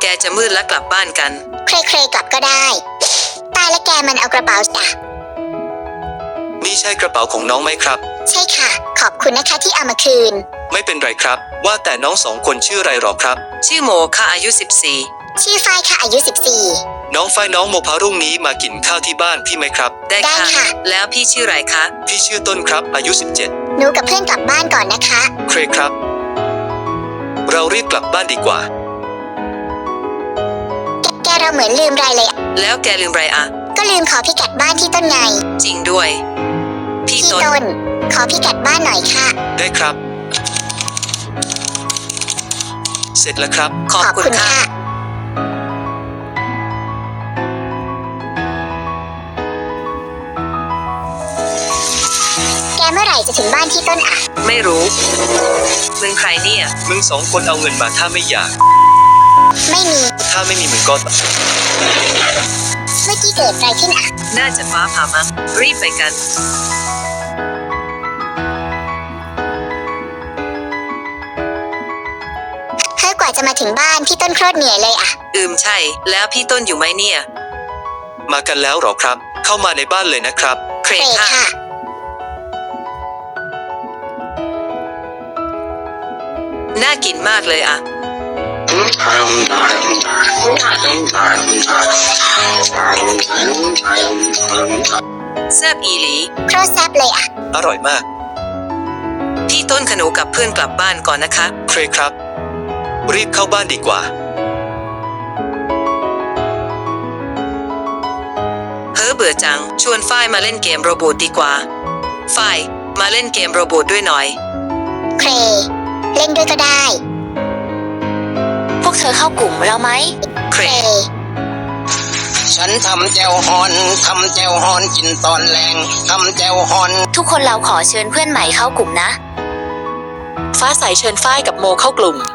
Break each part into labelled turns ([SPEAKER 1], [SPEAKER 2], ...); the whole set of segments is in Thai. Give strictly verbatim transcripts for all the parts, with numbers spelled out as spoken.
[SPEAKER 1] จะมืดแล้วกลับบ้านกัน
[SPEAKER 2] เครๆกลับก็ได้ตายและแกมันเอากระเป๋าจ้ะ
[SPEAKER 3] นี่ใช่กระเป๋าของน้องไหมครับ
[SPEAKER 2] ใช่ค่ะขอบคุณนะคะที่เอามาคืน
[SPEAKER 3] ไม่เป็นไรครับว่าแต่น้องสองคนชื่ออะไรหรอครับ
[SPEAKER 1] ชื่อโมค่ะอายุสิบสี่
[SPEAKER 2] ชื่อฝ้ายค่ะอายุสิบสี่
[SPEAKER 3] น้องฝ้ายน้องโมพารุ่งนี้มากินข้าวที่บ้านพี่ไหมครับ
[SPEAKER 1] ได้ค่ะแล้วพี่ชื่ออะไรคะ
[SPEAKER 3] พี่ชื่อต้นครับอายุสิบเจ็ด
[SPEAKER 2] หนูกับเพื่อนกลับบ้านก่อนนะคะ
[SPEAKER 3] เครครับเรารีบกลับบ้านดีกว่า
[SPEAKER 2] แกเราเหมือนลืมอะไรเลย
[SPEAKER 1] แล้วแกลืมอะไรอะ
[SPEAKER 2] ก็ลืมขอพิกัดบ้านที่ต้นไง
[SPEAKER 1] จริงด้วย
[SPEAKER 2] พี่ต้นขอพิกัดบ้านหน่อยค่ะ
[SPEAKER 3] ได้ครับเสร็จแล้วครับ
[SPEAKER 1] ขอบคุณค่ะ
[SPEAKER 2] แกเมื่อไหร่จะถึงบ้านที่ต้นอ่ะ
[SPEAKER 1] ไม่รู้มึงใครเนี่ย
[SPEAKER 3] มึงสองคนเอาเงินมาถ้าไม่อยาก
[SPEAKER 2] ไม่มี
[SPEAKER 3] ถ้าไม่มีมึงก็
[SPEAKER 2] เมื่อกี้เกิดอะไรขึ้นอ่ะ
[SPEAKER 1] น่าจะฟ้าผ่ามั้งรีบไปกัน
[SPEAKER 2] เฮ้ยกว่าจะมาถึงบ้านพี่ต้นโคตรเหนื่อยเลยอ่ะ
[SPEAKER 1] อืมใช่แล้วพี่ต้นอยู่ไหมเนี่ย
[SPEAKER 3] มากันแล้วหรอครับเข้ามาในบ้านเลยนะครับ
[SPEAKER 1] เครค่ะน่ากินมากเลยอะแซ่บอีหลี
[SPEAKER 2] โคตรแซ่บเลยอะ
[SPEAKER 3] อร่อยมาก
[SPEAKER 1] พี่ต้นขนูกับเพื่อนกลับบ้านก่อนนะคะ
[SPEAKER 3] เครครับรีบเข้าบ้านดีกว่า
[SPEAKER 1] เฮ้อเบื่อจังชวนฝ้ายมาเล่นเกมโรบอทดีกว่าฝ้ายมาเล่นเกมโรบอทด้วยหน่อย
[SPEAKER 2] เครเล่นด้วยก็ได้
[SPEAKER 4] พวกเธอเข้ากลุ่มเราไหม
[SPEAKER 1] เคร
[SPEAKER 5] ฉันทำแจวฮอนทำแจวฮอนกินตอนแรงทำแจวฮอน
[SPEAKER 4] ทุกคนเราขอเชิญเพื่อนใหม่เข้ากลุ่มนะ
[SPEAKER 1] ฟ้าใสเชิญฝ้ายกับโมเข้ากลุ่ม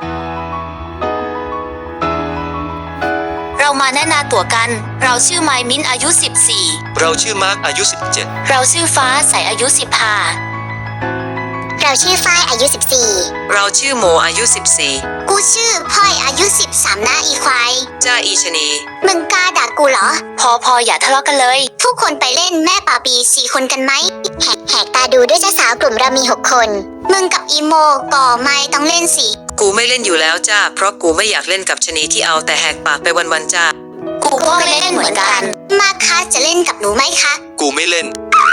[SPEAKER 4] เรามาแนะนำตัวกันเราชื่อไมมิ้นอายุสิบสี่
[SPEAKER 3] เราชื่อมาร์คอายุสิบเจ็ด
[SPEAKER 4] เราชื่อฟ้าใสอายุสิบห้า
[SPEAKER 2] เราชื่อฝ้ายอายุสิบสี่
[SPEAKER 1] เราชื่อโมอายุสิบสี่
[SPEAKER 2] กูชื่อพลอยอายุสิบสามนะอีควาย
[SPEAKER 1] จ้าอีชนี
[SPEAKER 2] มึงกล้าด่ากูเหรอ
[SPEAKER 4] พอพออย่าทะเลาะกันเลย
[SPEAKER 2] ทุกคนไปเล่นแม่ป่าปีสี่คนกันไหมแหกแหกตาดูด้วยเจ้าสาวกลุ่มเรามีหกคนมึงกับอีโมก่อไม่ต้องเล่นสิ
[SPEAKER 1] กูไม่เล่นอยู่แล้วจ้าเพราะกูไม่อยากเล่นกับชนีที่เอาแต่แหกปากไปวันๆจ้า
[SPEAKER 4] กูก็ไม่เล่นเหมือนกัน
[SPEAKER 2] มาคะจะเล่นกับหนูไหมคะ
[SPEAKER 3] กูไม่เล่น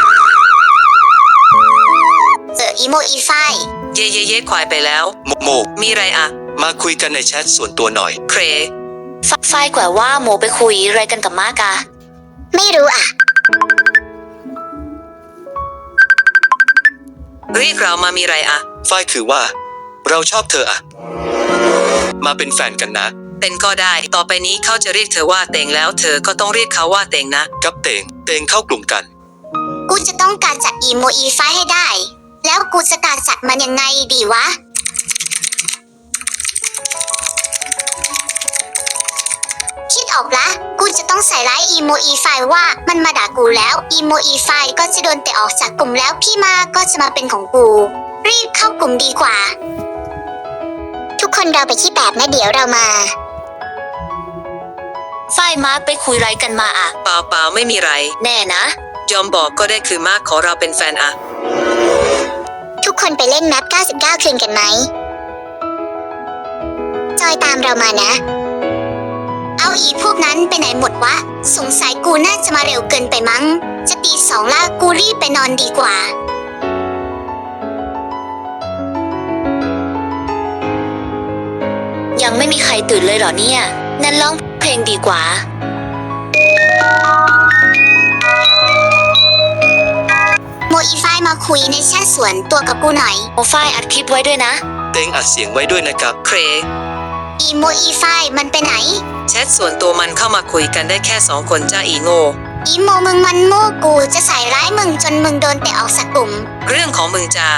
[SPEAKER 2] เจออีโมอีไฟ
[SPEAKER 1] เย่เย่เย่ควายไปแล้ว
[SPEAKER 3] โมโม
[SPEAKER 1] มีไรอะ
[SPEAKER 3] มาคุยกันในแชทส่วนตัวหน่อย
[SPEAKER 1] เคร
[SPEAKER 4] ฝ้ายกว่าว่าโมไปคุยอะไรกันกับมากะ
[SPEAKER 2] ไม่รู้อ่ะ
[SPEAKER 1] เรียกเรามามีไรอะ
[SPEAKER 3] ฝ้ายคือว่าเราชอบเธออะมาเป็นแฟนกันนะ
[SPEAKER 1] เต็งก็ได้ต่อไปนี้เขาจะเรียกเธอว่าเต็งแล้วเธอก็ต้องเรียกเขาว่าเต็งนะ
[SPEAKER 3] กับเต็งเต็งเข้ากลุ่มกัน
[SPEAKER 2] กูจะต้องการจัดอีโมอีไฟให้ได้แล้วกูจะการจัดมันยังไงดีวะคิดออกละกูจะต้องใส่ร้ายอีโมอีไฟว่ามันมาด่ากูแล้วอีโมอีไฟก็จะโดนเตะออกจากกลุ่มแล้วพี่มาก็จะมาเป็นของกูรีบเข้ากลุ่มดีกว่าทุกคนเราไปที่แปดนะเดี๋ยวเรามา
[SPEAKER 4] ฝ้ายมาไปคุยไรกันมาอะ
[SPEAKER 1] เปล่าเปล่าไม่มีไร
[SPEAKER 4] แน่นะ
[SPEAKER 1] ยอมบอกก็ได้คือมากขอเราเป็นแฟนอะ
[SPEAKER 2] ทุกคนไปเล่นแมปเก้าสิบเก้าคืนกันไหมจอยตามเรามานะเอาอีพวกนั้นไปไหนหมดวะสงสัยกูน่าจะมาเร็วเกินไปมั้งจะตีสองละกูรีบไปนอนดีกว่า
[SPEAKER 4] ยังไม่มีใครตื่นเลยเหรอเนี่ยนั่นร้องเพลงดีกว่า
[SPEAKER 2] โมอีไฟมาคุยในแชทส่วนตัวกับกูหน่อย
[SPEAKER 4] โมไฟอัดคลิปไว้ด้วยนะ
[SPEAKER 3] เต็งอัดเสียงไว้ด้วยนะครับ
[SPEAKER 1] เคร
[SPEAKER 2] อีโมอีไฟมันไปไหน
[SPEAKER 1] แชทส่วนตัวมันเข้ามาคุยกันได้แค่สองคนจ้าอีโง่
[SPEAKER 2] อีโมมึงมันโง่กูจะใส่ร้ายมึงจนมึงโดนเตะออกจากกลุ่ม
[SPEAKER 1] เรื่องของมึงจ้า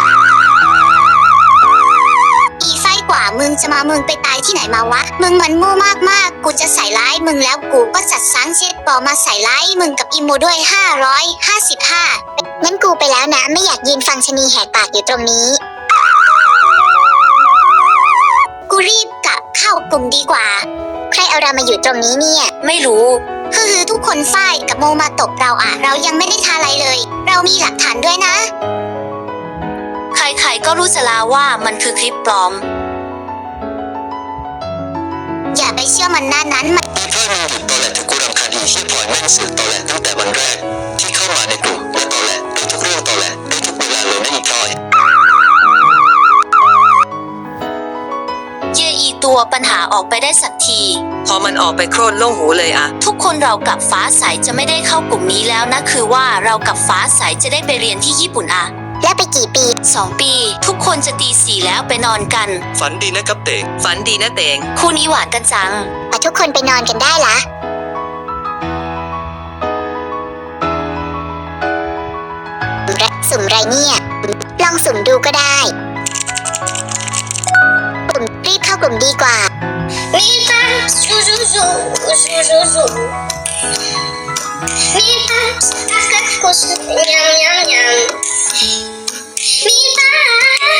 [SPEAKER 2] อีไฟกว่ามึงจะมามึงไปตายที่ไหนมาวะมึงมันโง่มากๆกูจะใส่ร้ายมึงแล้วกูก็จัดสร้างเช็ดปอมาใส่ร้ายมึงกับอีโมด้วยห้าร้อยห้าสิบห้างั้นกูไปแล้วนะไม่อยากยืนฟังชนีแหกปากอยู่ตรงนี้กูรีบกลับเข้ากลุ่มดีกว่าใครเอาเรามาอยู่ตรงนี้เนี่ย
[SPEAKER 4] ไม่รู้
[SPEAKER 2] ฮือทุกคนฝ้ายกับโมมาตบเราอะเรายังไม่ได้ทำอะไรเลย เรามีหลักฐานด้วยนะ
[SPEAKER 4] ใครๆก็รู้จะลาว่ามันคือคลิปปลอม
[SPEAKER 2] อย่าไปเชื่อมันหน้านั้นมัน
[SPEAKER 3] อีเพื่อนมึงหยุดตอแหลถึงกูรำคาญอีที่พลอยแม่งสื่อตอแหลตั้งแต่วันแรก ที่เข้ามาในกลุ่มและตอแหลได้ทุกเรื่องตอแหลได้ทุกเวลาเลยนะอีพลอย
[SPEAKER 4] เย่อีตัวปัญหาออกไปได้สักที
[SPEAKER 1] พอมันออกไปโครนโล่งหูเลยอะ
[SPEAKER 4] ทุกคนเรากับฟ้าใสจะไม่ได้เข้ากลุ่มนี้แล้วนะคือว่าเรากับฟ้าใสจะได้ไปเรียนที่ญี่ปุ่นอะ
[SPEAKER 2] แล้วไปกี่ปี
[SPEAKER 4] สองปี ทุกคนจะตีสี่แล้วไปนอนกัน
[SPEAKER 3] ฝันดีนะครับเตง
[SPEAKER 1] ฝันดีนะเตง
[SPEAKER 4] คู่นี้หวานกันจัง
[SPEAKER 2] อ่ะทุกคนไปนอนกันได้ละสุ่มไรเนี่ย ลองสุ่มดูก็ได้กลุ่มรีบเข้ากลุ่มดีกว่า
[SPEAKER 6] มีปังซูซูซูซูซูซูมีปังกักกักกุสยำยำยำมีปัง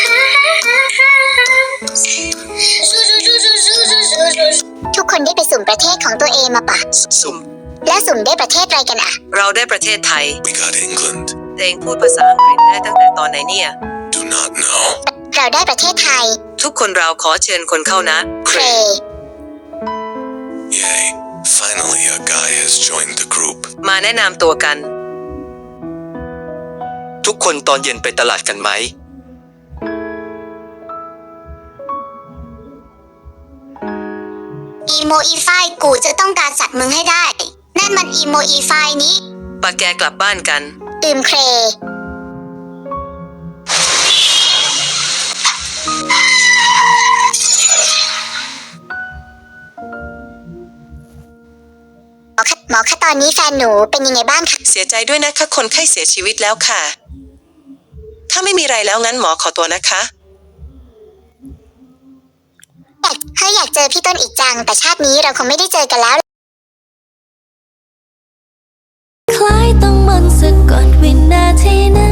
[SPEAKER 6] ซูซูซูซูซูซูซูซู
[SPEAKER 2] ทุกคนได้ไปสุ่มประเทศของตัวเองมาปะ
[SPEAKER 3] สุ่ม
[SPEAKER 2] แล้วสุ่มได้ประเทศอะไรกันอะ
[SPEAKER 1] เราได้ประเทศไทย
[SPEAKER 7] We got England.
[SPEAKER 1] เตงพูดภาษาอังกฤษได้ตั้งแต่ตอนไหนเนี่ย
[SPEAKER 7] Do not know.
[SPEAKER 2] เราได้ประเทศไทย
[SPEAKER 1] ทุกคนเราขอเชิญคนเข้านะ
[SPEAKER 2] เคร
[SPEAKER 7] Yay. Finally, a guy has joined the group.
[SPEAKER 1] มาแนะนำตัวกัน
[SPEAKER 3] ทุกคนตอนเย็นไปตลาดกันไหม
[SPEAKER 2] อีโมอีไฟกูจะต้องการจัดมึงให้ได้ นั่นมันอีโมอีไฟนี้
[SPEAKER 1] ปะแกกลับบ้านกัน
[SPEAKER 2] ตื่มเคร หมอคะหมอคะตอนนี้แฟนหนูเป็นยังไงบ้างคะ
[SPEAKER 1] เสียใจด้วยนะคะคนไข้เสียชีวิตแล้วค่ะ ถ้าไม่มีไรแล้วงั้นหมอขอตัวนะคะ
[SPEAKER 2] อยากเฮ้ยอยากเจอพี่ต้นอีกจัง แต่ชาตินี้เราคงไม่ได้เจอกันแล้ว
[SPEAKER 8] คล้ายต้องมนต์สะกดวินาทีนั้น